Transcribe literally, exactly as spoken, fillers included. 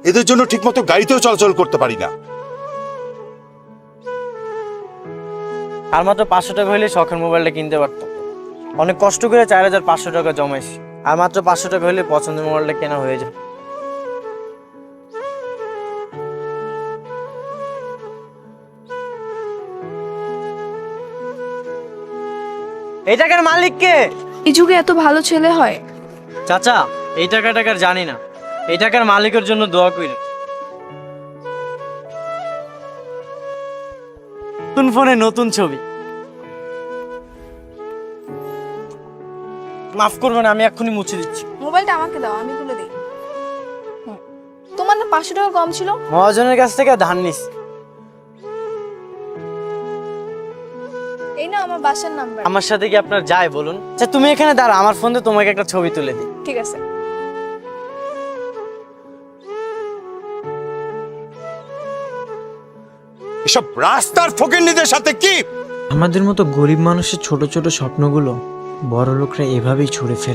এদের জন্য ঠিকমতো গাড়িতেও চলাচল করতে পারি না। আর মাত্র পাঁচশো টাকা হলে শখের মোবাইলটা কিনতে পারতাম। অনেক কষ্ট করে চার হাজার পাঁচশো টাকা জমাইছি, আর মাত্র পাঁচশো টাকা হলে পছন্দের মোবাইলটা কেনা হয়ে যায়। এই টাকার মালিক কে? এই যুগে এত ভালো ছেলে হয়? চাচা, এই টাকা টাকার জানি না, এই টাকার মালিকের জন্য দোয়া করি। নতুন ফোনে নতুন ছবি। মাফ করবেন, আমি এক্ষুনি মুছে দিচ্ছি। মোবাইলটা আমাকে দাও, আমি তুলে দিই। হুম। তোমার না পাঁচশো টাকা কম ছিল? মহাজনের কাছ থেকে ধার নিস। এই না আমার বাসার নাম্বার। আমার সাথে কি আপনার যায় বলুন? আচ্ছা তুমি এখানে দাঁড়া, আমার ফোন দিয়ে তোমাকে একটা ছবি তুলে দিই। ঠিক আছে। এসব রাস্তার ফকিন্নিদের সাথে কি? আমাদের মতো গরিব মানুষের ছোট ছোট স্বপ্নগুলো বড় লোকরা এভাবেই ছুঁড়ে ফেলে।